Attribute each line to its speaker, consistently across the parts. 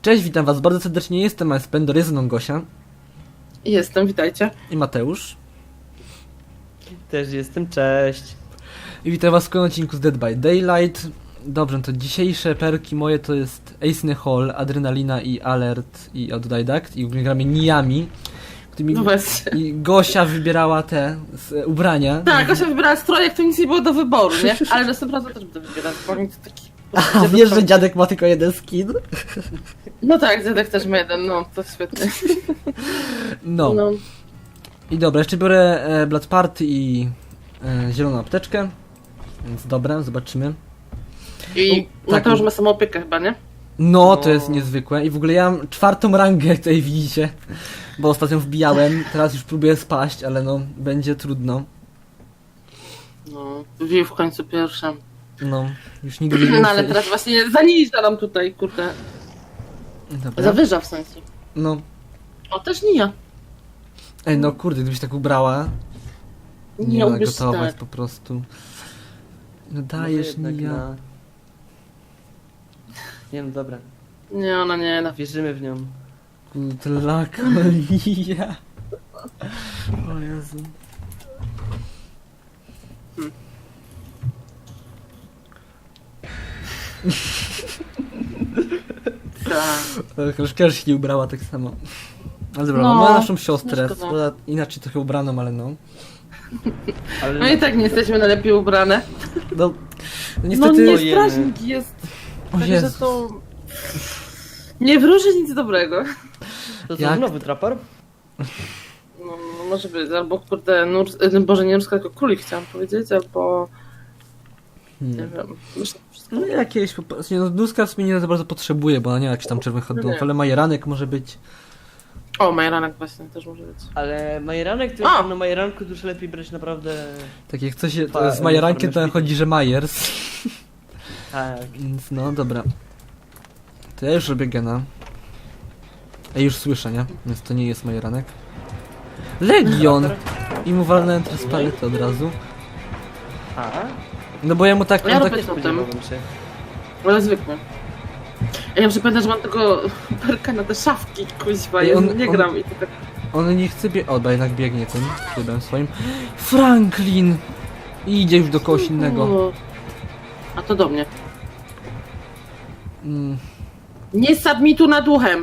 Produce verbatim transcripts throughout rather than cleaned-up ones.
Speaker 1: Cześć, witam was bardzo serdecznie, jestem Spendor, jest ze mną Gosia.
Speaker 2: Jestem, witajcie.
Speaker 1: I Mateusz.
Speaker 3: Też jestem, cześć.
Speaker 1: I witam was w kolejnym odcinku z Dead by Daylight. Dobrze, to dzisiejsze perki moje to jest Ace Hall, Adrenalina i Alert i Autodidact. I ogólnie gramy Niami, którymi
Speaker 2: No właśnie.
Speaker 1: i Gosia wybierała te z, ubrania.
Speaker 2: Tak, Gosia wybrała strojek, to nic nie było do wyboru, nie? Ale następnym razem też będę wybierać, bo oni to taki...
Speaker 1: A wiesz, że dziadek ma tylko jeden skin?
Speaker 2: No tak, dziadek też ma jeden, no, to świetnie.
Speaker 1: No.
Speaker 2: No.
Speaker 1: I dobra, jeszcze biorę e, Blood Party i e, zieloną apteczkę. Więc dobra, zobaczymy.
Speaker 2: I
Speaker 1: tak,
Speaker 2: Mateusz ma samą opiekę chyba, nie?
Speaker 1: No, to
Speaker 3: No.
Speaker 1: jest niezwykłe. I w ogóle ja mam czwartą rangę, jak tutaj widzicie. Bo ostatnio wbijałem, teraz już próbuję spaść, ale no, będzie trudno.
Speaker 2: No, wbił w końcu pierwszym.
Speaker 1: No, już nigdy więcej.
Speaker 2: No ale teraz właśnie zaniża nam tutaj, kurde.
Speaker 1: Dobra.
Speaker 2: Zawyża w sensie.
Speaker 1: No,
Speaker 2: O, też nie ja.
Speaker 1: ej, no kurde, gdybyś tak ubrała. Nie ma
Speaker 2: ubierz
Speaker 1: gotować
Speaker 2: tak.
Speaker 1: po prostu. No
Speaker 3: Może
Speaker 1: dajesz,
Speaker 3: jednak
Speaker 1: nie ja.
Speaker 3: na- Nie no dobra,
Speaker 2: Nie, ona nie, na
Speaker 3: wierzymy w nią.
Speaker 1: Kudla kolia. O Jezu.
Speaker 2: tak.
Speaker 1: Troszkę się nie ubrała tak samo. Ale dobra,
Speaker 2: No,
Speaker 1: mamy naszą siostrę,
Speaker 2: no szkoda.
Speaker 1: która inaczej trochę ubraną, ale no.
Speaker 3: Ale
Speaker 2: No i tak nie jesteśmy najlepiej ubrane.
Speaker 1: No, no
Speaker 2: No
Speaker 1: niestety...
Speaker 2: nie,
Speaker 3: Ojej.
Speaker 2: strażnik jest.
Speaker 1: O
Speaker 2: Także
Speaker 1: Jezus.
Speaker 2: to... Nie wróży nic dobrego.
Speaker 3: to co,
Speaker 1: jak-
Speaker 3: znowu trapor?
Speaker 2: No, może być, albo kurde, nur, y, Boże, nie Nurska, tylko Królik chciałam powiedzieć, albo nie
Speaker 1: Hmm.
Speaker 2: wiem, myślę, że wszystko.
Speaker 1: No jakieś po prostu, no Duska w sumie nie za bardzo potrzebuje, bo ona nie ma jakichś tam czerwonych hot dogów,
Speaker 2: Nie.
Speaker 1: ale majeranek może być.
Speaker 2: O, Majeranek właśnie też może być.
Speaker 3: Ale majeranek, to
Speaker 2: A!
Speaker 3: na majeranku dużo lepiej brać naprawdę...
Speaker 1: Tak jak coś się,
Speaker 3: Pa-
Speaker 1: to z majerankiem to
Speaker 3: uniformy
Speaker 1: chodzi, że Majers.
Speaker 3: Tak.
Speaker 1: Więc no dobra. To ja już robię gena. Ja już słyszę, nie? Więc to nie jest majeranek. Legion! I mu walnąłem teraz paletę od razu.
Speaker 3: A?
Speaker 1: No bo ja mu tak...
Speaker 2: Ja
Speaker 1: on
Speaker 2: robię
Speaker 1: tak
Speaker 2: to.
Speaker 3: Spodziewałbym się.
Speaker 2: Ale zwykły. Ja muszę pamiętać, że mam tego perka na te szafki, kuźwa,
Speaker 1: I
Speaker 2: ja
Speaker 1: on-
Speaker 2: nie
Speaker 1: on-
Speaker 2: gram i to tak...
Speaker 1: on nie chce bie... O, bo jednak biegnie tym trybem swoim. Franklin! I idzie już do kogoś innego.
Speaker 2: O. A to do mnie.
Speaker 1: Mm.
Speaker 2: Nie sad mi tu nad uchem!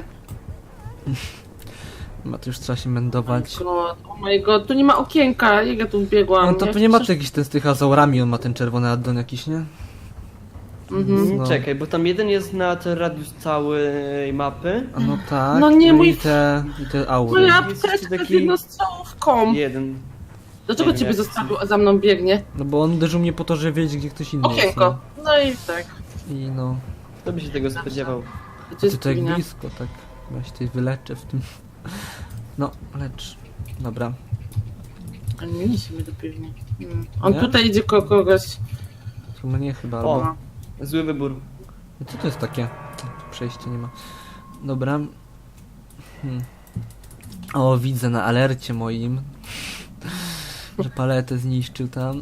Speaker 1: Ma to już trzeba się mędować.
Speaker 2: God, oh my god, tu nie ma okienka, jak ja tu wbiegłam.
Speaker 1: No to
Speaker 2: Ja
Speaker 1: nie ma
Speaker 2: przecież-
Speaker 1: tu jakiś ten z tych azaurami, on ma ten czerwony addon jakiś, nie?
Speaker 2: Mhm.
Speaker 1: No.
Speaker 3: Czekaj, bo tam jeden jest na ten radius całej mapy.
Speaker 1: A no tak.
Speaker 2: No nie,
Speaker 1: i
Speaker 2: mój-
Speaker 1: te, i te aury.
Speaker 2: Moja
Speaker 3: Jest jeszcze
Speaker 2: apteczka z
Speaker 3: taki-
Speaker 2: jednostrzałówką.
Speaker 3: Jeden.
Speaker 2: Dlaczego
Speaker 3: Nie wiem,
Speaker 2: ciebie
Speaker 3: jak
Speaker 2: zostawił, a za mną biegnie?
Speaker 1: No bo on uderzył mnie po to, że wiedzieć, gdzie ktoś inny
Speaker 2: Okienko. No i tak.
Speaker 1: jest. No. I no.
Speaker 3: Kto by się tego spodziewał?
Speaker 2: To
Speaker 1: Ty
Speaker 2: jest
Speaker 1: to jak
Speaker 2: linia.
Speaker 1: blisko, tak. Ja się tutaj wyleczę w tym. No, lecz. Dobra.
Speaker 2: Ale nie niesie mnie do piwni. Hmm. On
Speaker 1: Nie?
Speaker 2: tutaj idzie ko kogoś.
Speaker 1: To mnie chyba.
Speaker 3: O.
Speaker 1: Albo...
Speaker 3: Zły wybór.
Speaker 1: No co to jest takie? Tu przejście nie ma. Dobra. Hmm. O, widzę na alercie moim, że paletę zniszczył tam.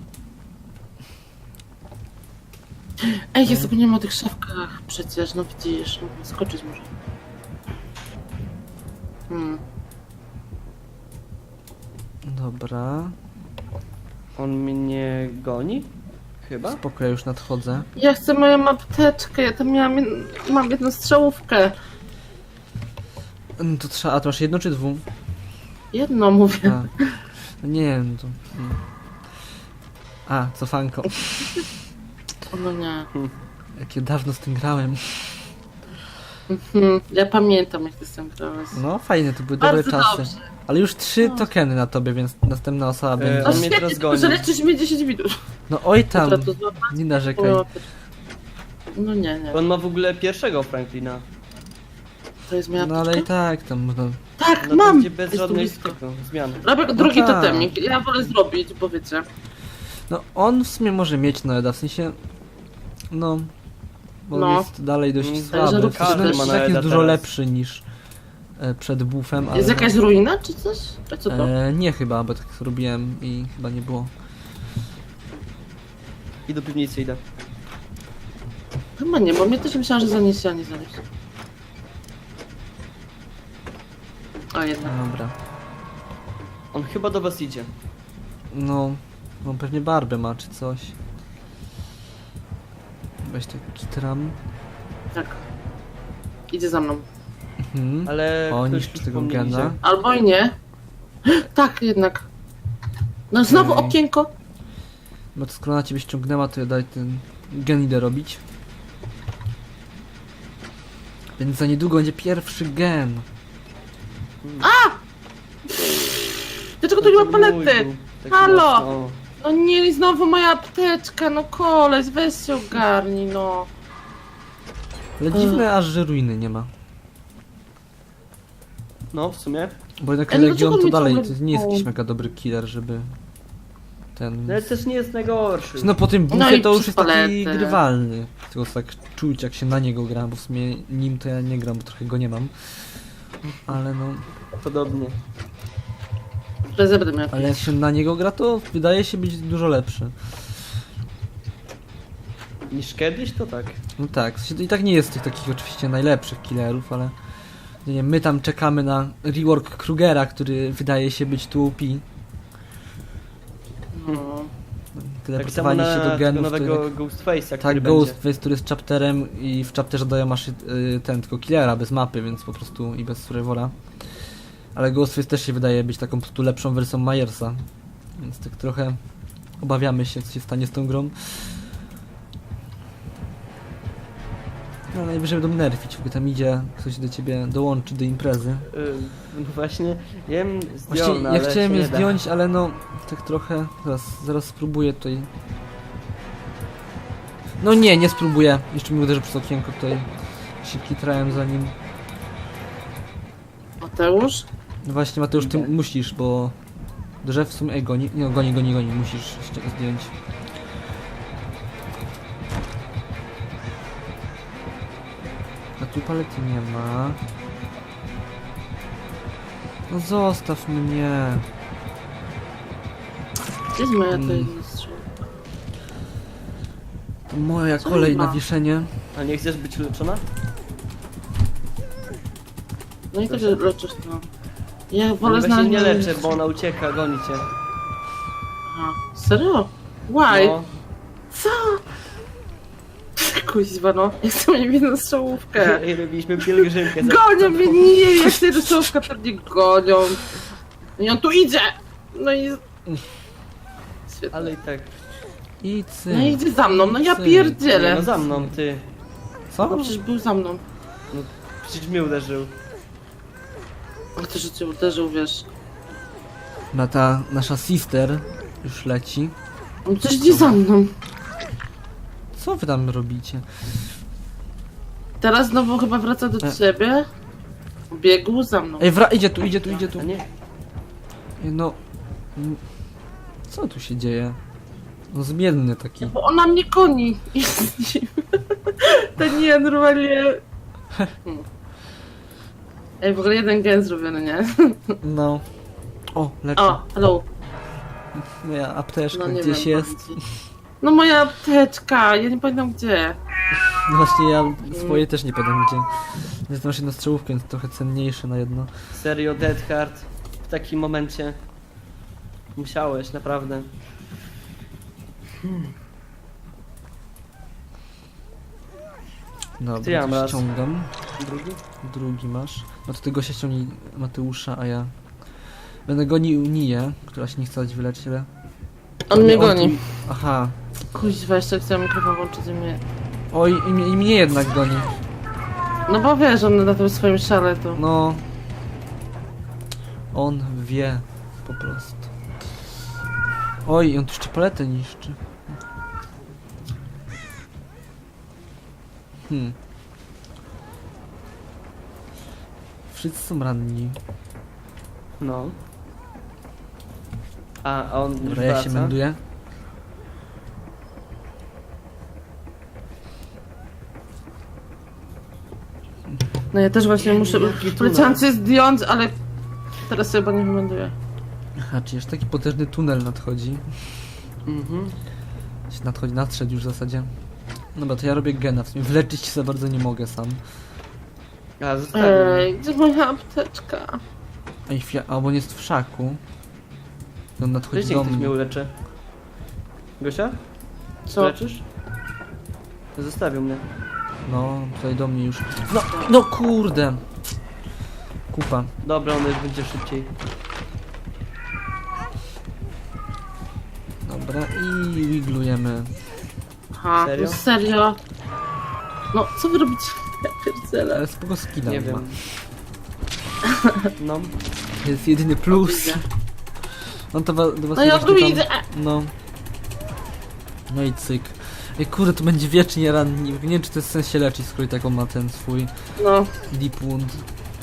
Speaker 2: Ej, ja zapomniałam o tych szafkach przecież, no widzisz, no, skoczyć może. Hmm.
Speaker 1: Dobra.
Speaker 3: On mnie goni? Chyba?
Speaker 1: Spoko, ja już nadchodzę.
Speaker 2: Ja chcę moją apteczkę, ja tam miałam, jed- mam jedną strzałówkę.
Speaker 1: No to trzeba, a to masz jedno czy dwu?
Speaker 2: Jedno mówię.
Speaker 1: A. No nie wiem, to... hmm. A, cofanko.
Speaker 2: O, no nie.
Speaker 1: Jakie dawno z tym grałem.
Speaker 2: Mhm. Ja pamiętam, jak ty z tym grałeś.
Speaker 1: No fajne, to były dobre
Speaker 2: Bardzo
Speaker 1: czasy.
Speaker 2: dobrze.
Speaker 1: Ale już trzy tokeny na tobie, więc następna osoba
Speaker 3: E,
Speaker 1: będzie.
Speaker 2: No
Speaker 3: on mnie
Speaker 2: świetnie,
Speaker 3: teraz
Speaker 2: tylko
Speaker 3: goni.
Speaker 2: że leczysz mnie dziesięć minut.
Speaker 1: No oj tam,
Speaker 2: Dobra, to złapać
Speaker 1: nie narzekaj.
Speaker 2: moją apteczkę. No nie, nie.
Speaker 3: On ma w ogóle pierwszego Franklina.
Speaker 2: To jest moja
Speaker 1: No ale i
Speaker 2: apteczka?
Speaker 1: tak, tam można...
Speaker 2: Tak,
Speaker 3: No to
Speaker 2: mam!
Speaker 3: będzie bez
Speaker 2: Jest tu
Speaker 3: żadnej
Speaker 2: blisko.
Speaker 3: tego, zmiany.
Speaker 2: Robię drugi
Speaker 1: tak.
Speaker 2: totemik. Ja wolę zrobić, bo wiecie.
Speaker 1: No on w sumie może mieć Noeda, w sensie... No... Bo
Speaker 2: No.
Speaker 1: jest dalej dość
Speaker 3: Mm,
Speaker 1: słaby.
Speaker 2: że
Speaker 1: W sensie,
Speaker 2: każdy
Speaker 1: no,
Speaker 2: ma
Speaker 1: tak jest
Speaker 3: Noeda
Speaker 1: dużo
Speaker 3: teraz.
Speaker 1: lepszy niż e, przed buffem, ale...
Speaker 2: Jest jakaś ruina czy coś? A co to?
Speaker 1: E, nie chyba, bo tak robiłem i chyba nie było.
Speaker 3: I do piwnicy idę.
Speaker 2: Chyba nie, bo mnie też myślałam, że zaniesie, a nie zaniesie. A jednak.
Speaker 1: Dobra.
Speaker 3: On chyba do was idzie.
Speaker 1: No, no pewnie barbę ma czy coś. Weź tak kitram.
Speaker 2: Tak. Idzie za mną.
Speaker 1: Mhm.
Speaker 3: Ale
Speaker 1: O,
Speaker 3: ktoś
Speaker 1: niszczy
Speaker 3: już
Speaker 1: tego
Speaker 3: po mnie
Speaker 1: gena.
Speaker 3: idzie.
Speaker 2: Albo i nie. Tak, jednak. No znowu
Speaker 1: Okej.
Speaker 2: okienko.
Speaker 1: No to skoro na ciebie ściągnęła, to ja daj ten gen idę robić. Więc za niedługo będzie pierwszy gen.
Speaker 2: Dlaczego tu nie ma
Speaker 3: To mój był,
Speaker 2: palety?
Speaker 3: taki
Speaker 2: Halo!
Speaker 3: mocno.
Speaker 2: No nie, i znowu moja apteczka, no koleś, weź się ogarnij, no.
Speaker 1: Ale dziwne aż, że ruiny nie ma.
Speaker 3: No, w sumie.
Speaker 1: Bo jednak
Speaker 2: Ej,
Speaker 1: Legion
Speaker 2: dlaczego
Speaker 1: to
Speaker 2: mi
Speaker 1: dalej
Speaker 2: ciągle-
Speaker 1: to nie jest
Speaker 2: o.
Speaker 1: jakiś mega dobry killer, żeby ten...
Speaker 3: No ale też nie jest najgorszy.
Speaker 1: No po tym
Speaker 2: No
Speaker 1: buffie
Speaker 2: i
Speaker 1: to już
Speaker 2: przez
Speaker 1: jest taki
Speaker 2: paletę.
Speaker 1: grywalny. Tylko tak czuć jak się na niego gra, bo w sumie nim to ja nie gram, bo trochę go nie mam. Ale no,
Speaker 3: Podobnie.
Speaker 2: Prezę będę miał.
Speaker 1: ale jak się na niego gra, to wydaje się być dużo lepszy.
Speaker 3: Niż kiedyś, to tak.
Speaker 1: No tak, w sensie to i tak nie jest tych takich oczywiście najlepszych killerów, ale nie wiem, my tam czekamy na rework Krugera, który wydaje się być tu O P.
Speaker 2: No.
Speaker 3: Tak samo
Speaker 1: Teleportowanie
Speaker 3: na
Speaker 1: się do
Speaker 3: tego
Speaker 1: genów, to
Speaker 3: nowego
Speaker 1: jednak...
Speaker 3: Ghostface'a, który
Speaker 1: Tak,
Speaker 3: będzie.
Speaker 1: Ghostface, który jest chapterem i w chapterze dają masz y, ten tylko killera bez mapy, więc po prostu i bez survivora. Ale Ghostface też się wydaje być taką po prostu lepszą wersją Myersa. Więc tak trochę obawiamy się, co się stanie z tą grą. No najwyżej będą nerfić, bo tam idzie, ktoś do ciebie dołączy do imprezy.
Speaker 3: Yy, no właśnie, ja jem
Speaker 1: Właściwie
Speaker 3: zdjął, no,
Speaker 1: ja
Speaker 3: ale
Speaker 1: chciałem
Speaker 3: się
Speaker 1: je
Speaker 3: nie da.
Speaker 1: zdjąć, ale no tak trochę, zaraz, zaraz spróbuję tutaj. No nie, nie spróbuję. Jeszcze mi uderzy przez okienko tutaj. Się kitrałem za nim.
Speaker 2: Mateusz?
Speaker 1: No właśnie Mateusz, ty
Speaker 3: Idę.
Speaker 1: musisz, bo drzew w sumie, ej goni, nie, goni, goni, goni, musisz ście- zdjąć. A tu palety nie ma. No zostaw mnie.
Speaker 2: Gdzie jest moja
Speaker 1: Mm.
Speaker 2: tajemnica strzał?
Speaker 1: To moja
Speaker 2: Co
Speaker 1: kolej
Speaker 2: ma?
Speaker 1: na wieszenie.
Speaker 3: A nie chcesz być leczona?
Speaker 2: No i też leczysz to. Ja
Speaker 3: Ale
Speaker 2: wolę
Speaker 3: właśnie
Speaker 2: znaleźć...
Speaker 3: nie
Speaker 2: moje-
Speaker 3: leczę, bo ona ucieka, goni cię.
Speaker 2: Aha. Serio? Why?
Speaker 3: No,
Speaker 2: Co? Kuźwa no, ja chcę mieć jedną strzałówkę.
Speaker 3: i robiliśmy pielgrzymkę. za-
Speaker 2: Gonią mnie, nie, jak tej strzałówka pewnie gonią. I on tu idzie! No i... Świetnie.
Speaker 3: Ale i tak.
Speaker 1: I cyk.
Speaker 2: No i idzie za mną, no ja
Speaker 1: Cyk.
Speaker 3: Nie,
Speaker 2: pierdzielę.
Speaker 3: no za mną, ty.
Speaker 1: Co?
Speaker 2: No przecież był za mną.
Speaker 3: Przecież mnie uderzył.
Speaker 2: A to, że cię uderzył, wiesz.
Speaker 1: Na ta nasza sister już leci.
Speaker 2: On przecież idzie za mną.
Speaker 1: Co wy tam robicie?
Speaker 2: Teraz znowu chyba wraca do
Speaker 1: E.
Speaker 2: ciebie. Biegł za mną.
Speaker 1: Ej, wra idzie tu, idzie tu, idzie tu.
Speaker 3: A nie?
Speaker 1: Ej, no... mm, Co tu się dzieje? No zmienny taki.
Speaker 2: Bo ona mnie goni. Jest nim. To nie, normalnie... Hmm. Ej, w ogóle jeden gen zrobiony, nie?
Speaker 1: No. O, leczy.
Speaker 2: O, hello.
Speaker 1: Moja apteczka
Speaker 2: No nie
Speaker 1: gdzieś
Speaker 2: wiem,
Speaker 1: jest.
Speaker 2: powiem ci. No moja apteczka, ja nie pamiętam gdzie.
Speaker 1: No właśnie ja swoje też nie pamiętam gdzie. Więc masz jedną strzałówkę, więc trochę cenniejsze na jedno.
Speaker 3: Serio, Dead Hard. W takim momencie. Musiałeś, naprawdę.
Speaker 1: Dobra,
Speaker 3: Ty ja mam
Speaker 1: to
Speaker 3: raz.
Speaker 1: ściągam.
Speaker 3: Drugi?
Speaker 1: Drugi masz. No to tego się ściągnij Mateusza, a ja... Będę gonił Niję, która się nie chce dać wyleczyć, ale...
Speaker 2: On mnie
Speaker 1: tu-
Speaker 2: goni.
Speaker 1: Aha.
Speaker 2: Kuźwa, jeszcze chciałam mikrofon włączyć i mnie...
Speaker 1: Oj, i mnie, i mnie jednak goni.
Speaker 2: No bo wiesz, on na tym swoim szale to...
Speaker 1: No. On wie po prostu. Oj, on tu jeszcze paletę niszczy. Hmm. Wszyscy są ranni.
Speaker 3: No. A, a on już
Speaker 1: Dobra, ja się
Speaker 3: wraca.
Speaker 1: męduję.
Speaker 2: No ja też właśnie muszę...
Speaker 3: Jaki tunel.
Speaker 2: Poleciałam cię zdjąć, ale... Teraz sobie chyba nie wyląduję.
Speaker 1: Aha, czy jeszcze taki potężny tunel nadchodzi.
Speaker 3: Mhm.
Speaker 1: Się nadchodzi, nadszedł już w zasadzie. Dobra, to ja robię gena. W sumie wleczyć się za bardzo nie mogę sam.
Speaker 3: A, zostawił.
Speaker 2: Ej, gdzie moja apteczka?
Speaker 1: Ej, chwila, a bo on jest w szaku. I on nadchodzi
Speaker 3: Wiecie,
Speaker 1: do
Speaker 3: ktoś mnie
Speaker 1: mnie.
Speaker 3: uleczy. Gosia?
Speaker 2: Co?
Speaker 3: Leczysz? Zostawił mnie.
Speaker 1: No, tutaj do mnie już. No, no kurde. Kupa.
Speaker 3: Dobra, on już będzie szybciej.
Speaker 1: Dobra, i wiglujemy.
Speaker 2: Aha,
Speaker 3: Serio?
Speaker 2: no serio? No, co wy robicie? Ja pierdzielę.
Speaker 1: Ale spoko skina
Speaker 3: Nie
Speaker 1: ma.
Speaker 3: wiem. No.
Speaker 1: To jest jedyny plus.
Speaker 2: Widzę.
Speaker 1: No to wa- do was
Speaker 2: No ja
Speaker 1: właśnie
Speaker 2: tu
Speaker 1: tam-
Speaker 2: idę.
Speaker 1: No. No i cyk. Ej kurde, to będzie wiecznie ranni. Nie wiem czy to jest sens się leczyć, skoro i tak on ma ten swój
Speaker 2: No,
Speaker 1: deep wound.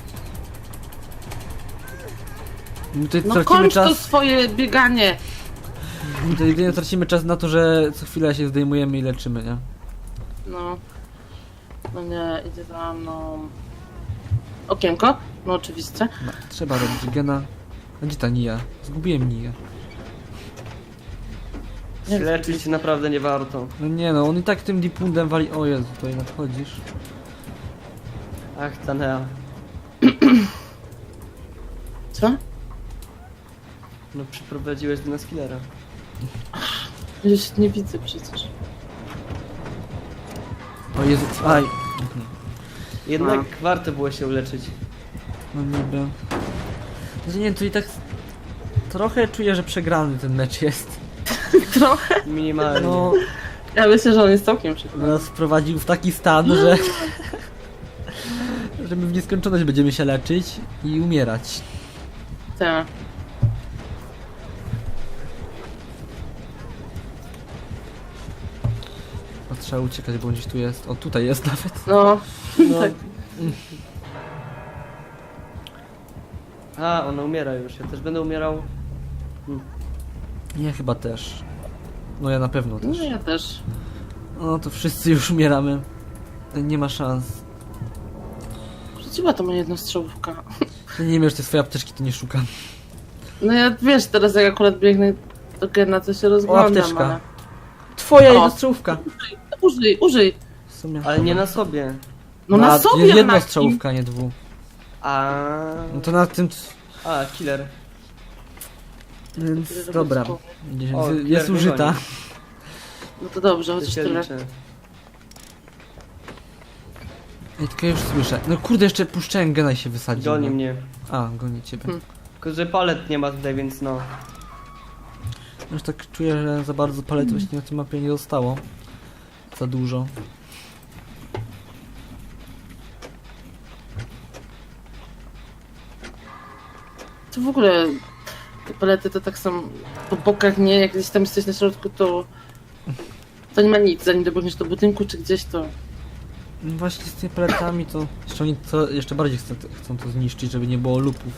Speaker 1: My tutaj
Speaker 2: no
Speaker 1: tracimy
Speaker 2: kończ to
Speaker 1: czas.
Speaker 2: swoje bieganie.
Speaker 1: My tutaj jedynie tracimy czas na to, że co chwilę się zdejmujemy i leczymy, nie?
Speaker 2: No. No nie, idzie za mną. Okienko? No oczywiście.
Speaker 1: No, trzeba robić gena. A gdzie ta Nia? Zgubiłem Nię.
Speaker 2: Nie wiem,
Speaker 3: Leczyć się naprawdę nie warto.
Speaker 1: No nie no, on i tak tym deep woundem wali. O Jezu, tutaj nadchodzisz.
Speaker 3: Ach, Tanea.
Speaker 2: Co?
Speaker 3: No przyprowadziłeś do nas killera.
Speaker 2: Już nie widzę przecież.
Speaker 1: O Jezu, aj.
Speaker 3: Jednak
Speaker 2: No.
Speaker 3: warto było się uleczyć.
Speaker 1: No niby. Znaczy nie, tu i tak trochę czuję, że przegrany ten mecz jest.
Speaker 2: Trochę.
Speaker 3: Minimalnie.
Speaker 1: No,
Speaker 2: Ja myślę, że on jest całkiem przekonany.
Speaker 1: nas wprowadził w taki stan, że... że my w nieskończoność będziemy się leczyć i umierać.
Speaker 2: Tak.
Speaker 1: O, trzeba uciekać, bo on gdzieś tu jest. O, tutaj jest nawet.
Speaker 2: No.
Speaker 3: No.
Speaker 2: Tak.
Speaker 3: A, ona umiera już. Ja też będę umierał.
Speaker 1: Ja chyba też. No ja na pewno
Speaker 2: No
Speaker 1: też.
Speaker 2: ja też.
Speaker 1: No to wszyscy już umieramy. Nie ma szans.
Speaker 2: Rzuciła to moja jednostrzałówka.
Speaker 1: Ja nie wiem, że te swoje apteczki to nie szukam.
Speaker 2: No ja wiesz, teraz jak akurat biegnę do Gena, to się rozglądam,
Speaker 1: apteczka.
Speaker 2: ale...
Speaker 1: Twoja
Speaker 2: O.
Speaker 1: jednostrzałówka!
Speaker 2: Użyj, użyj.
Speaker 1: W sumie.
Speaker 3: Ale nie na sobie.
Speaker 2: No na
Speaker 1: a,
Speaker 2: sobie,
Speaker 1: Jedna
Speaker 2: Anaki.
Speaker 1: strzałówka, nie dwu.
Speaker 3: A.
Speaker 1: No to na tym...
Speaker 3: A, killer.
Speaker 1: Więc dobra. Gdzieś-
Speaker 3: O,
Speaker 1: Jest
Speaker 3: killer mnie
Speaker 1: użyta.
Speaker 3: goni.
Speaker 2: No to dobrze,
Speaker 3: To
Speaker 2: chociaż
Speaker 3: się
Speaker 2: tyle.
Speaker 3: liczy.
Speaker 1: Ej, tylko ja już słyszę. No kurde, jeszcze puszczałem gena i się wysadził.
Speaker 3: Goni
Speaker 1: no.
Speaker 3: mnie.
Speaker 1: A, goni ciebie.
Speaker 2: Hmm.
Speaker 3: Tylko, że palet nie ma tutaj, więc no.
Speaker 1: Już tak czuję, że za bardzo palet właśnie na tej mapie nie zostało. Za dużo.
Speaker 2: To w ogóle te palety to tak są po bokach, nie? Jak gdzieś tam jesteś na środku, to to nie ma nic. Zanim dobiegniesz do budynku czy gdzieś, to
Speaker 1: No właśnie z tymi paletami to... Jeszcze oni to jeszcze bardziej chcą, chcą to zniszczyć, żeby nie było lupów.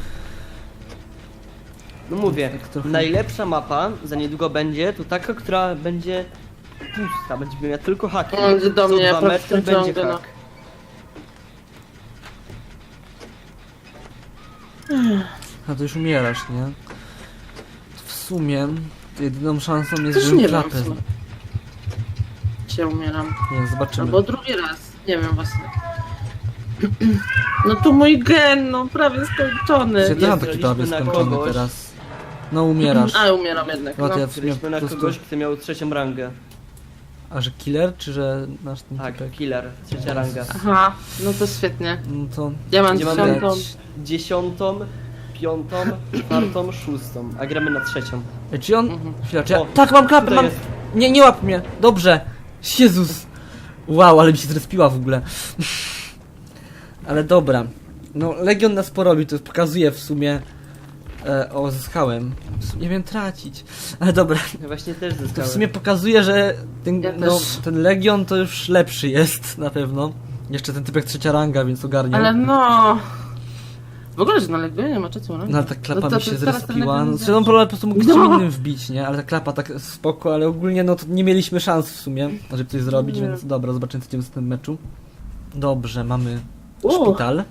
Speaker 3: No mówię,
Speaker 1: Tak trochę-
Speaker 3: najlepsza mapa za niedługo będzie to taka, która będzie pusta, będzie miała tylko haki.
Speaker 2: On idzie do
Speaker 3: Co
Speaker 2: mnie, ja
Speaker 3: dwa
Speaker 2: prawie
Speaker 3: metry
Speaker 2: skończyłam
Speaker 3: będzie
Speaker 2: go, no.
Speaker 3: hak.
Speaker 1: A to już umierasz, nie? W sumie to jedyną szansą jest,
Speaker 2: Też
Speaker 1: żebym
Speaker 2: nie wiem,
Speaker 1: klapę...
Speaker 2: w sumie. się umieram.
Speaker 1: Nie, zobaczymy.
Speaker 2: Albo drugi raz. Nie wiem właśnie. No tu mój gen, no prawie skończony.
Speaker 1: Ja też mam taki
Speaker 3: Zgraliśmy
Speaker 1: prawie
Speaker 3: na
Speaker 1: skończony
Speaker 3: kogoś.
Speaker 1: teraz. No umierasz.
Speaker 2: A, umieram jednak.
Speaker 1: No
Speaker 2: No.
Speaker 1: to ja w sumie
Speaker 3: Byliśmy
Speaker 1: po
Speaker 3: na
Speaker 1: prostu...
Speaker 3: kogoś, kto miał trzecią rangę.
Speaker 1: A że killer, czy że nasz ten
Speaker 3: Tak,
Speaker 1: typek?
Speaker 3: killer, trzecia ranga.
Speaker 2: Aha, no to świetnie.
Speaker 1: No to...
Speaker 2: Ja mam
Speaker 3: Gdzie mamy
Speaker 2: dziesiątą.
Speaker 1: dać?
Speaker 3: Dziesiątą, piątą, czwartą, szóstą, a gramy na trzecią.
Speaker 1: Ej, czy on...
Speaker 2: Mhm.
Speaker 1: Chwila, czy ja...
Speaker 3: O,
Speaker 1: Tak, mam klapę,
Speaker 3: tutaj
Speaker 1: mam...
Speaker 3: jest.
Speaker 1: Nie, nie łap mnie! Dobrze! Jezus! Wow, ale mi się zrespiła w ogóle. Ale dobra. No, Legion nas porobił, to pokazuje w sumie... E, o, zyskałem. W sumie nie wiem tracić. Ale dobra,
Speaker 3: Ja właśnie też
Speaker 1: to w
Speaker 3: zyskałem.
Speaker 1: sumie pokazuje, że ten,
Speaker 2: Ja
Speaker 1: no,
Speaker 2: też.
Speaker 1: ten Legion to już lepszy jest, na pewno. Jeszcze ten typek trzecia ranga, więc ogarniał.
Speaker 2: Ale no... W ogóle, że na Legionie nie ma trzecią rangę.
Speaker 1: No ale ta klapa
Speaker 2: No to
Speaker 1: mi się
Speaker 2: ty teraz ten
Speaker 1: zrespiła.
Speaker 2: Legion
Speaker 1: No,
Speaker 2: nie
Speaker 1: znaczy, on po prostu mógł
Speaker 2: No.
Speaker 1: czym innym wbić, nie? Ale ta klapa tak spoko, ale ogólnie no to nie mieliśmy szans w sumie, żeby coś zrobić,
Speaker 2: Nie.
Speaker 1: więc dobra, zobaczymy co w tym meczu. Dobrze, mamy
Speaker 2: U.
Speaker 1: szpital.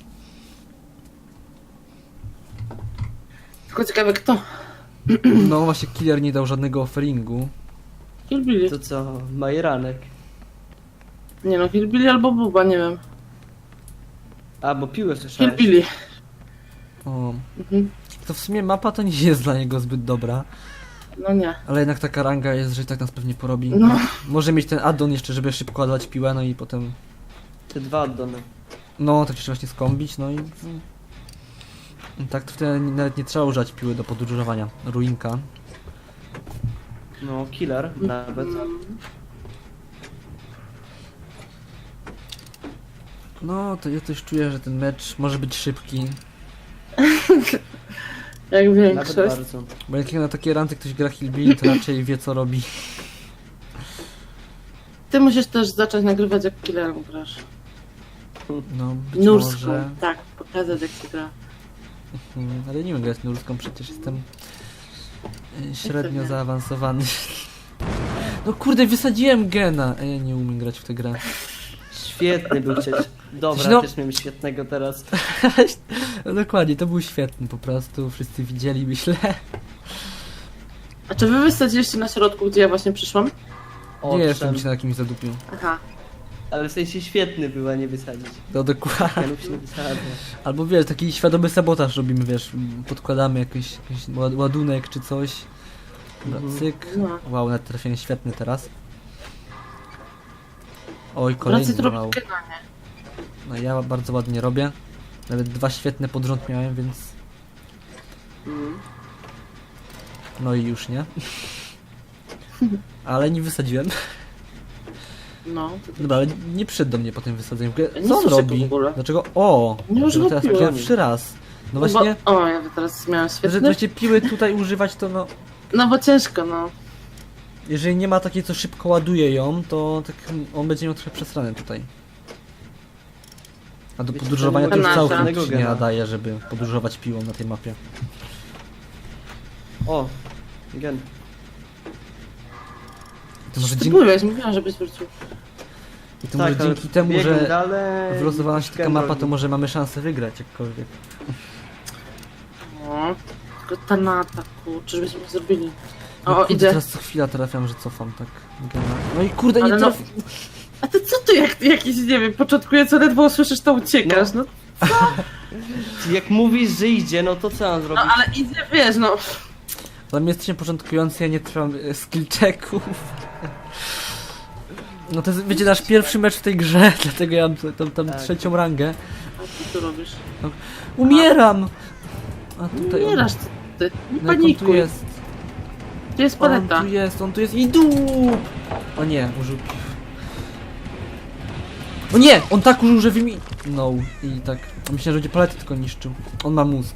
Speaker 2: Tylko ciekawe kto.
Speaker 1: No właśnie killer nie dał żadnego offeringu.
Speaker 2: Hillbilly.
Speaker 3: To co, majeranek.
Speaker 2: Nie no, Hillbilly albo Buba, nie wiem.
Speaker 3: A, bo piłę słyszałeś.
Speaker 2: Hillbilly.
Speaker 1: O,
Speaker 2: Mhm.
Speaker 1: to w sumie mapa to nie jest dla niego zbyt dobra,
Speaker 2: No nie.
Speaker 1: ale jednak taka ranga jest, że i tak nas pewnie porobi.
Speaker 2: No.
Speaker 1: Może mieć ten addon jeszcze, żeby szybko ładować piłę, no i potem,
Speaker 3: Te dwa addony.
Speaker 1: no tak jeszcze właśnie skąbić, no i... i tak to wtedy nawet nie trzeba używać piły do podróżowania. Ruinka.
Speaker 3: No, killer nawet.
Speaker 2: Mm.
Speaker 1: No, to ja też czuję, że ten mecz może być szybki,
Speaker 2: Jak
Speaker 3: Nawet
Speaker 2: większość.
Speaker 3: bardzo.
Speaker 1: bo jak na takie ranty ktoś gra Hillbilly, to raczej wie co robi.
Speaker 2: Ty musisz też zacząć nagrywać jak killerem grasz.
Speaker 1: No, być
Speaker 2: Nurską.
Speaker 1: może...
Speaker 2: Tak, pokazać jak się gra.
Speaker 1: Hmm, ale nie wiem grać nurską, przecież jestem y, średnio
Speaker 2: nie?
Speaker 1: zaawansowany. No kurde, wysadziłem gena, a ja nie umiem grać w tę grę.
Speaker 3: Świetny był cieć. Dobra,
Speaker 1: No.
Speaker 3: też miałem świetnego teraz.
Speaker 1: No dokładnie, to był świetny po prostu, wszyscy widzieli, myślę.
Speaker 2: A czy wy wysadziliście na środku, gdzie ja właśnie przyszłam?
Speaker 1: Nie jestem
Speaker 3: Owszem,
Speaker 1: ci na jakimś zadupiu.
Speaker 2: Aha.
Speaker 3: ale w sensie świetny był, a nie wysadzić.
Speaker 1: No dokładnie.
Speaker 3: Janów się nie wysadza.
Speaker 1: Albo wiesz, taki świadomy sabotaż robimy, wiesz, podkładamy jakiś, jakiś ład- ładunek czy coś. Dobra,
Speaker 3: Mhm.
Speaker 1: cyk.
Speaker 2: No.
Speaker 1: Wow, nawet trafienie świetny teraz. Oj,
Speaker 2: Raczej
Speaker 1: kolejny
Speaker 2: to robić
Speaker 1: wow.
Speaker 2: gena, nie?
Speaker 1: No ja bardzo ładnie robię. Nawet dwa świetne pod rząd miałem, więc...
Speaker 3: Mm.
Speaker 1: No i już nie. Ale nie wysadziłem.
Speaker 2: No. To
Speaker 1: Dobra, ale nie przyszedł do mnie po tym wysadzeniu.
Speaker 2: Nie
Speaker 1: Co on
Speaker 2: słyszę go
Speaker 1: robi?
Speaker 2: w ogóle.
Speaker 1: Dlaczego? O!
Speaker 2: Nie
Speaker 1: Dlaczego
Speaker 2: używa
Speaker 1: teraz
Speaker 2: piły.
Speaker 1: pierwszy raz. No właśnie,
Speaker 2: Bo, o, ja teraz miałam
Speaker 1: że
Speaker 2: świetny.
Speaker 1: właśnie piły tutaj używać to no...
Speaker 2: No bo ciężko, no.
Speaker 1: Jeżeli nie ma takiej, co szybko ładuje ją, to tak on będzie miał trochę przesrane tutaj. A do
Speaker 3: Wiecie,
Speaker 1: podróżowania
Speaker 3: to
Speaker 1: to już
Speaker 2: nie ma
Speaker 1: całkiem
Speaker 3: żadnego
Speaker 1: się nie
Speaker 3: gena.
Speaker 1: nadaje, żeby podróżować piłą na tej mapie.
Speaker 3: O, gen.
Speaker 1: To może,
Speaker 2: Ty
Speaker 1: dzięki,
Speaker 2: byłeś, mówiłam, żebyś wrócił.
Speaker 1: i to może
Speaker 3: Tak, ale
Speaker 1: dzięki temu,
Speaker 3: biegłem
Speaker 1: że
Speaker 3: dalej,
Speaker 1: wylosowała się taka
Speaker 3: gen
Speaker 1: mapa,
Speaker 3: robi.
Speaker 1: to może mamy szansę wygrać jakkolwiek.
Speaker 2: No. Tylko ta na ataku, czyżbyśmy zrobili.
Speaker 1: No
Speaker 2: O,
Speaker 1: kurde,
Speaker 2: idzie.
Speaker 1: teraz co chwila trafiam, że cofam tak. Gena. No i kurde, nie
Speaker 2: Ale no,
Speaker 1: trafi...
Speaker 2: a ty co ty, jak jakiś, nie wiem, początkujący ledwo usłyszysz, to uciekasz, no.
Speaker 3: Jak mówisz, że idzie, no to co mam
Speaker 2: No
Speaker 3: zrobić?
Speaker 2: ale idzie, wiesz, no.
Speaker 1: Dla mnie jesteśmy początkujący, ja nie trwam e, skill checków. No to jest, wiecie, nasz pierwszy mecz w tej grze, dlatego ja mam t- tam, tam
Speaker 3: Tak.
Speaker 1: trzecią rangę.
Speaker 2: A ty co robisz?
Speaker 1: Umieram! A tutaj on,
Speaker 2: Umierasz, ty, ty. Nie
Speaker 1: no jak on tu
Speaker 2: panikuj.
Speaker 1: jest.
Speaker 2: Tu jest
Speaker 1: On
Speaker 2: paleta.
Speaker 1: tu jest, on tu jest i dup! O nie, użył... O nie! On tak użył, że wymi... No i tak... Myślałem, że będzie palety tylko niszczył. On ma mózg.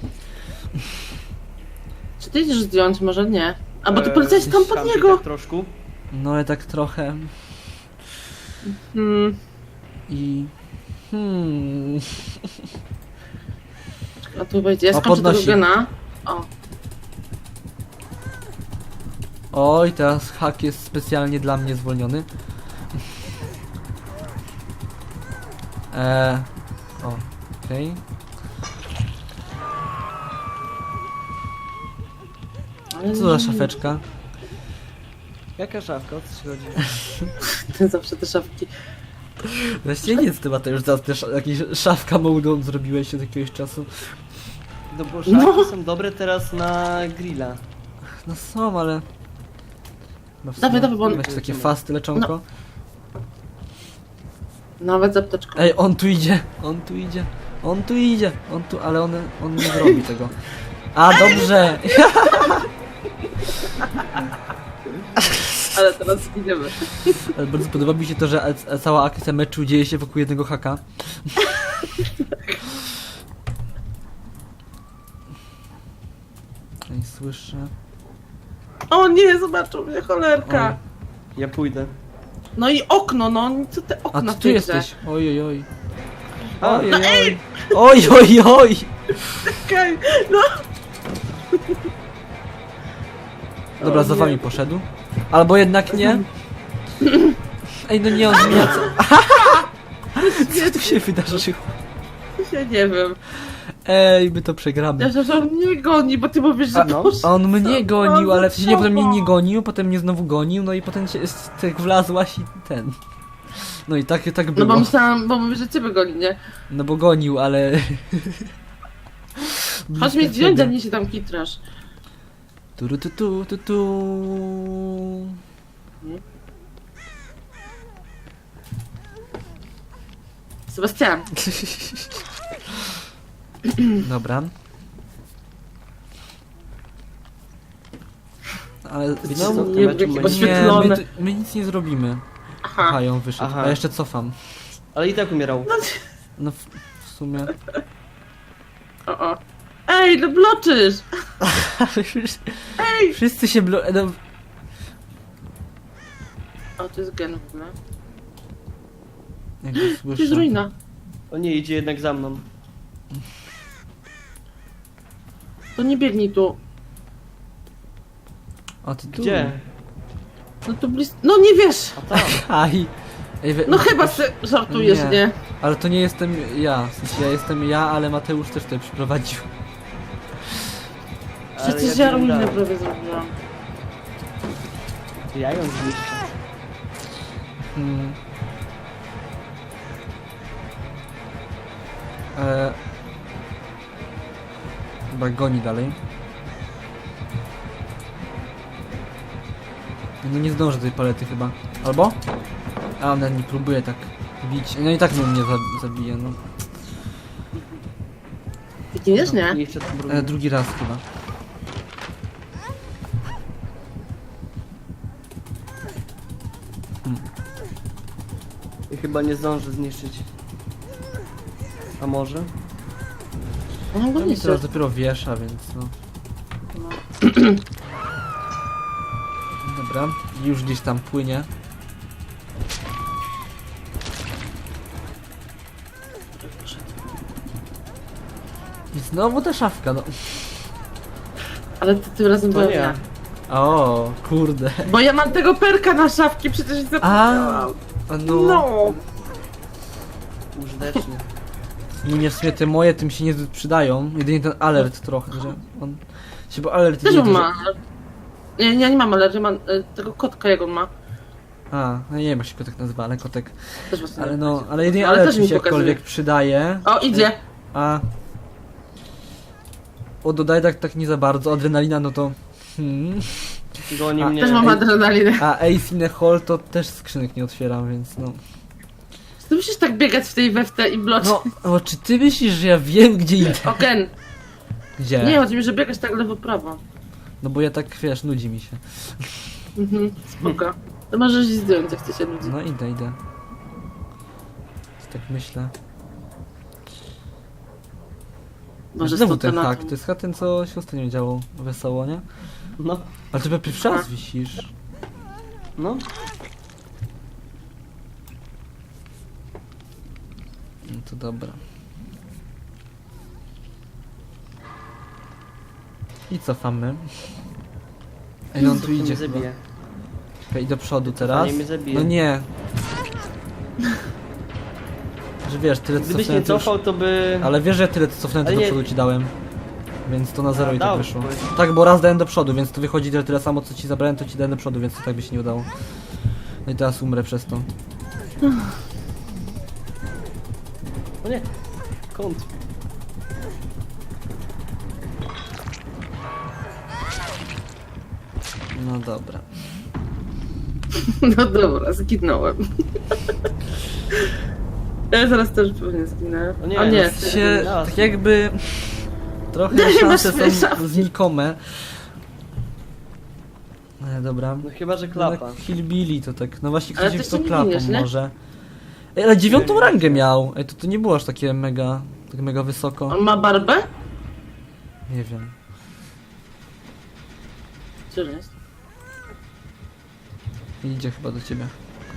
Speaker 2: Czy ty idziesz zdjąć? Może nie. A bo ty
Speaker 3: Eee,
Speaker 2: poleciałeś tam pod
Speaker 3: szampi
Speaker 2: niego.
Speaker 3: Tak troszkę.
Speaker 1: No ale tak trochę...
Speaker 2: Hmm.
Speaker 1: I... Hmm...
Speaker 2: A tu wejdzie. Ja
Speaker 1: O,
Speaker 2: skończę tego
Speaker 1: podnosi.
Speaker 2: gena. O.
Speaker 1: Oj, teraz hak jest specjalnie dla mnie zwolniony. Eee... O, okej.
Speaker 2: Ale
Speaker 1: Co za szafeczka?
Speaker 3: Jaka szafka? O co ci chodzi?
Speaker 2: Ty zawsze te szafki.
Speaker 1: Właściwie nic chyba to już teraz też jakieś szafka mołdą zrobiłeś od jakiegoś czasu.
Speaker 3: No bo szafki
Speaker 2: No.
Speaker 3: są dobre teraz na grilla.
Speaker 1: No są, ale... No w
Speaker 2: Dawaj,
Speaker 1: sumie
Speaker 2: dawaj, bo on-
Speaker 1: Masz takie fasty leczonko?
Speaker 2: Nawet z apteczką.
Speaker 1: Ej, on tu idzie, on tu idzie, on tu idzie, on tu, ale on, on nie zrobi tego. A, dobrze!
Speaker 2: Ale teraz idziemy.
Speaker 1: Ale bardzo podoba mi się to, że a- cała akcja meczu dzieje się wokół jednego haka. Nie słyszę.
Speaker 2: O nie, zobaczą mnie, cholerka.
Speaker 3: Ja pójdę.
Speaker 2: No i okno, no. Co te
Speaker 1: A
Speaker 2: okna
Speaker 1: ty
Speaker 2: w
Speaker 1: tu
Speaker 2: tej
Speaker 1: jesteś? Oj, oj, oj.
Speaker 3: A,
Speaker 1: Oj, oj, oj. Oj, oj, oj.
Speaker 2: Czekaj, no.
Speaker 1: Dobra,
Speaker 2: O
Speaker 1: za
Speaker 2: nie.
Speaker 1: wami poszedł. Albo jednak nie. Ej, no nie, on zmienia co... Co tu się wydarzyło?
Speaker 2: Ja nie wiem.
Speaker 1: Ej, my to przegramy.
Speaker 2: Ja myślałam, że on mnie goni, bo ty mówisz, że
Speaker 1: A,
Speaker 3: no.
Speaker 2: poszedł.
Speaker 1: On mnie gonił,
Speaker 2: No,
Speaker 1: ale w sensie nie, potem mnie
Speaker 2: co?
Speaker 1: nie gonił, potem mnie znowu gonił, no i potem się tak wlazłaś i ten. No i tak, tak
Speaker 2: No
Speaker 1: było.
Speaker 2: bo myślałam, bo mówisz, że ciebie goni, nie?
Speaker 1: No bo gonił, ale...
Speaker 2: Chodź mnie zdjąć, a nie się tam kitrasz.
Speaker 1: Tu, tu, tu, tu, tu.
Speaker 2: Sebastian,
Speaker 1: Dobra. Ale
Speaker 3: Wiecie
Speaker 2: no,
Speaker 3: co,
Speaker 2: nie,
Speaker 3: to meczu
Speaker 2: jakie
Speaker 3: będzie-
Speaker 1: nie,
Speaker 2: oświetlone.
Speaker 1: my, tu- my nic nie zrobimy.
Speaker 2: Aha.
Speaker 1: Aha, ją wyszedł.
Speaker 3: Aha.
Speaker 1: A jeszcze cofam.
Speaker 3: Ale i tak umierał.
Speaker 1: No w, w sumie.
Speaker 2: O, o. Ej, no bloczysz! Ej!
Speaker 1: Wszyscy się blo... No,
Speaker 2: O, to jest gen w ogóle.
Speaker 1: jak go
Speaker 2: To jest
Speaker 1: słyszę.
Speaker 2: ruina.
Speaker 3: O nie, idzie jednak za mną.
Speaker 2: To nie biegnij tu.
Speaker 1: A ty tu.
Speaker 3: Gdzie?
Speaker 2: No tu blisko. No nie wiesz!
Speaker 3: A tam.
Speaker 1: Aj. Ej, we...
Speaker 2: No chyba se żartujesz,
Speaker 1: Nie.
Speaker 2: nie?
Speaker 1: Ale to nie jestem ja. W sensie ja jestem ja, ale Mateusz też tutaj przyprowadził.
Speaker 3: Ale
Speaker 2: Przecież
Speaker 3: ja
Speaker 2: ja ruinę
Speaker 3: biegam.
Speaker 2: prawie zrobiłam.
Speaker 3: Ja ją zniszczę.
Speaker 1: Hmm. E... Chyba goni dalej. No nie zdążę tej palety chyba. Albo? A ona nie próbuje tak bić. No i tak mnie nie za- zabije, no.
Speaker 2: Ty giniesz, nie?
Speaker 3: I jeszcze tu brudno.
Speaker 1: E, drugi raz chyba.
Speaker 3: I chyba nie zdąży zniszczyć. A może?
Speaker 2: On go
Speaker 1: No
Speaker 2: nie
Speaker 1: i teraz dopiero wiesza, więc no. Dobra, już gdzieś tam płynie. I znowu ta szafka, no.
Speaker 2: Ale ty tym razem
Speaker 3: To
Speaker 2: byłem
Speaker 3: nie.
Speaker 2: ja.
Speaker 1: O, kurde.
Speaker 2: Bo ja mam tego perka na szafki, przecież nie zapomniałam.
Speaker 1: A no.
Speaker 2: No.
Speaker 3: Użytecznie.
Speaker 1: Nie, w sumie te moje tym się niezbyt przydają. Jedynie ten alert trochę, że on... Się, bo alert
Speaker 2: Też
Speaker 1: nie
Speaker 2: on
Speaker 1: to,
Speaker 2: ma.
Speaker 1: że...
Speaker 2: Nie, nie, nie mam alergii, mam e, tego kotka jak on ma.
Speaker 1: A, no nie wiem jak się kotek nazywa, ale kotek.
Speaker 2: Też właśnie
Speaker 1: Ale
Speaker 2: nie
Speaker 1: no,
Speaker 2: wiem.
Speaker 1: ale jedynie
Speaker 2: Ale
Speaker 1: alert
Speaker 2: też
Speaker 1: mi
Speaker 2: mi
Speaker 1: się
Speaker 2: pokazuje.
Speaker 1: jakkolwiek przydaje.
Speaker 2: O, idzie.
Speaker 1: A... O, dodaj tak, tak nie za bardzo. Adrenalina, no to... Hmm.
Speaker 3: Goni
Speaker 1: A,
Speaker 3: mnie.
Speaker 2: Też mam
Speaker 1: ej.
Speaker 2: adrenalinę.
Speaker 1: A Ace in a Hole to też skrzynek nie otwieram, więc no...
Speaker 2: Ty musisz tak biegać w tej weftę i bloczyć.
Speaker 1: No, o, czy ty myślisz, że ja wiem gdzie idę?
Speaker 2: O, gen.
Speaker 1: Gdzie?
Speaker 2: Nie, chodzi mi, że biegać tak lewo-prawo.
Speaker 1: No bo ja tak, wiesz, nudzi mi się.
Speaker 2: Mhm, spoko. To możesz ich zdjąć, jak chce się ludzi.
Speaker 1: No idę, idę. Tak myślę.
Speaker 2: Może
Speaker 1: Znowu
Speaker 2: stąd
Speaker 1: ten
Speaker 2: na
Speaker 1: hak,
Speaker 2: tym.
Speaker 1: to jest hak ten, co się ostatnio działo wesoło, nie?
Speaker 3: No,
Speaker 1: Ale to chyba pierwszy raz
Speaker 2: A.
Speaker 1: wisisz.
Speaker 3: no.
Speaker 1: No to dobra. I cofamy. Ej, no on tu
Speaker 3: To mnie
Speaker 1: idzie chyba.
Speaker 3: zabije.
Speaker 1: Czekaj, i do przodu
Speaker 3: Cofanie
Speaker 1: teraz.
Speaker 3: mnie zabije.
Speaker 1: No nie. Że wiesz, tyle co
Speaker 3: Gdybyś
Speaker 1: cofnąłem
Speaker 3: nie
Speaker 1: to już...
Speaker 3: cofał, to by...
Speaker 1: Ale wiesz, że tyle co cofnąłem to
Speaker 3: Ale
Speaker 1: do
Speaker 3: nie-
Speaker 1: przodu ci dałem. Więc to na zero
Speaker 3: A,
Speaker 1: i tak
Speaker 3: dał,
Speaker 1: wyszło.
Speaker 3: powiedz.
Speaker 1: Tak, bo raz dałem do przodu, więc to wychodzi tyle, tyle samo co ci zabrałem, to ci dałem do przodu, więc to tak by się nie udało. No i teraz umrę przez to.
Speaker 3: O nie. Kąt.
Speaker 1: No dobra.
Speaker 2: No dobra, zginąłem. Ja zaraz też pewnie zginę.
Speaker 3: O nie,
Speaker 2: O nie.
Speaker 3: no,
Speaker 1: Się,
Speaker 3: Raz.
Speaker 1: tak jakby... Trochę
Speaker 2: Daj,
Speaker 1: szanse
Speaker 2: masz swoje
Speaker 1: są
Speaker 2: szafki.
Speaker 1: znikome. Ale dobra.
Speaker 3: No chyba, że
Speaker 1: No,
Speaker 3: klapa.
Speaker 1: Hillbilly to tak, no właśnie
Speaker 2: Ale
Speaker 1: ktoś
Speaker 2: ty
Speaker 1: w to
Speaker 2: jeszcze nie
Speaker 1: klapą
Speaker 2: giniesz, nie?
Speaker 1: może. Ej, ale dziewiątą rangę miał! Ej, to, to nie było aż takie mega, tak mega wysoko.
Speaker 2: On ma barbę?
Speaker 1: Nie wiem.
Speaker 2: Gdzie on jest?
Speaker 1: Idzie chyba do ciebie.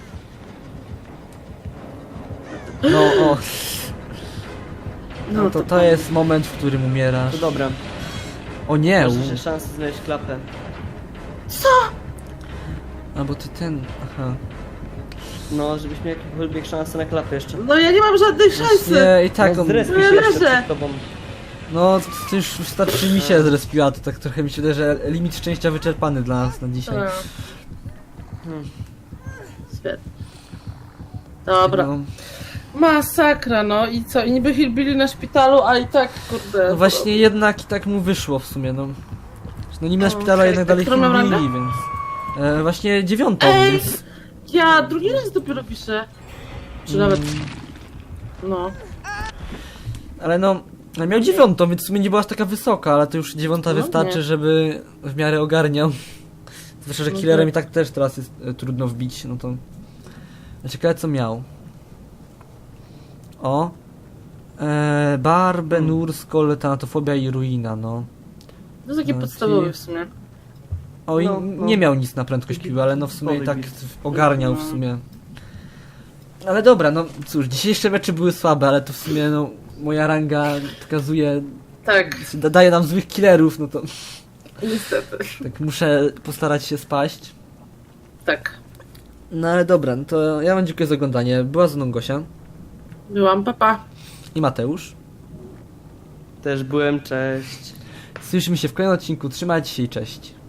Speaker 1: No o, no to to jest moment, w którym umierasz.
Speaker 3: To dobra.
Speaker 1: O nie!
Speaker 3: Masz
Speaker 1: u-
Speaker 3: jeszcze szansę znaleźć klapę.
Speaker 1: A bo ty ten, aha.
Speaker 3: No, żebyś miał jakąkolwiek szansę na klapę jeszcze.
Speaker 2: No ja nie mam żadnej szansy.
Speaker 1: Nie, i tak
Speaker 3: no,
Speaker 1: on...
Speaker 3: zrespisz
Speaker 2: No ja
Speaker 3: się jeszcze
Speaker 2: leżę.
Speaker 3: przed tobą.
Speaker 1: No, to już wystarczy mi się zrespiła, to tak trochę mi się wydaje, że limit szczęścia wyczerpany dla nas na dzisiaj.
Speaker 2: A,
Speaker 3: Hmm.
Speaker 2: świetnie. Dobra.
Speaker 1: No,
Speaker 2: Masakra, no i co? I niby Hillbilly na szpitalu, a i tak, kurde.
Speaker 1: No właśnie jednak i tak mu wyszło w sumie, no. No niby na
Speaker 2: O,
Speaker 1: szpitalu,
Speaker 2: okej.
Speaker 1: jednak dalej
Speaker 2: Którą miał
Speaker 1: Hillbilly,
Speaker 2: rangę?
Speaker 1: więc... E, właśnie dziewiątą,
Speaker 2: Ej!
Speaker 1: więc...
Speaker 2: Ja drugi raz dopiero piszę. Czy nawet,
Speaker 1: Mm,
Speaker 2: no.
Speaker 1: ale no... no miał dziewiątą, więc w sumie nie była aż taka wysoka, ale to już dziewiąta
Speaker 2: No
Speaker 1: wystarczy,
Speaker 2: nie.
Speaker 1: żeby w miarę ogarniał. Zwłaszcza, że
Speaker 2: No
Speaker 1: killerem
Speaker 2: tak.
Speaker 1: i tak też teraz jest e, trudno wbić, no to... Ciekawe co miał. O! E, bar, Benur, Skol, Tanatofobia i Ruina, no.
Speaker 2: To jest takie
Speaker 1: No,
Speaker 2: podstawowe
Speaker 1: czyli-
Speaker 2: w sumie.
Speaker 1: O, i
Speaker 3: No, no.
Speaker 1: nie miał nic na prędkość piły, ale no w sumie i tak
Speaker 3: Typowy
Speaker 1: ogarniał w
Speaker 2: No.
Speaker 1: sumie. Ale dobra, no cóż, dzisiejsze mecze były słabe, ale to w sumie no moja ranga pokazuje,
Speaker 2: Tak,
Speaker 1: da- daje nam złych killerów, no to
Speaker 2: niestety.
Speaker 1: tak muszę postarać się spaść.
Speaker 2: Tak.
Speaker 1: No ale dobra, no to ja wam dziękuję za oglądanie. Była ze mną Gosia
Speaker 2: Byłam, papa.
Speaker 1: i Mateusz.
Speaker 3: Też byłem, cześć.
Speaker 1: Słyszymy się w kolejnym odcinku, trzymajcie się i cześć.